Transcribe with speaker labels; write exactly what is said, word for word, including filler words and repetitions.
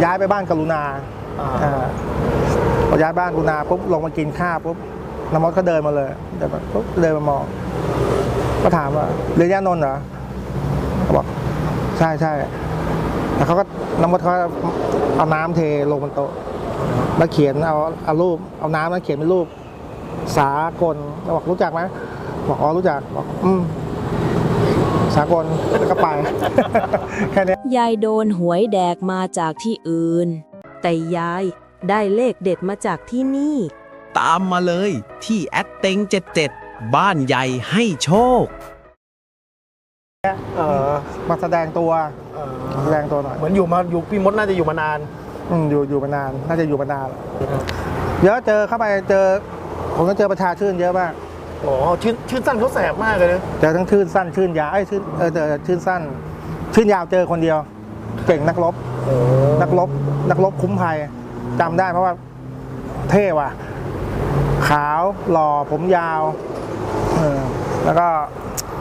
Speaker 1: ย้ายไปบ้านกรุณาพอย้ายบ้านกรุณาปุ๊บลงมากินข้าวปุ๊บน้ำมดก็เดินมาเลยเดินมาปุ๊บเดินมามองก็ถามว่าเรียนย่านนท์เหรอเขาบอกใช่ใช่แล้วเขาก็น้ำมดเขาเอาน้ำเทลงบนโต๊ะแล้วเขียนเอาเอารูปเอาน้ำแล้วเขียนเป็นรูปสากลเราบอกรู้จักไหมบอกอ๋อรู้จักบอกอืมสากลแล้วก็ไป แค่นี้
Speaker 2: ยายโดนหวยแดกมาจากที่อื่นแต่ยายได้เลขเด็ดมาจากที่นี่
Speaker 3: ตามมาเลยที่แอดเต็งเจ็ดเจ็ดบ้านใหญ่ให้โชค
Speaker 1: เออมาแสดงตัวแสดงตัวหน่อย
Speaker 4: เหมือนอยู่มาอยู่พี่มดน่าจะอยู่มานาน
Speaker 1: อืมอยู่อยู่มานานน่าจะอยู่มานานเยอะเจอเข้าไปเจอผมก็เจอประชาชื่นเยอะมาก
Speaker 4: อ๋อชื่นชื่นสั้นเขาแสบมากเลยนะ
Speaker 1: เจอทั้งชื่นสั้นชื่นยาวไอ้ชื่นเออเจอชื่นสั้นชื่นยาวเจอคนเดียวเก่งนักรบนักรบนักรบคุ้มภัยจำได้เพราะว่าเท่ว่ะขาวหล่อผมยาวเออแล้วก็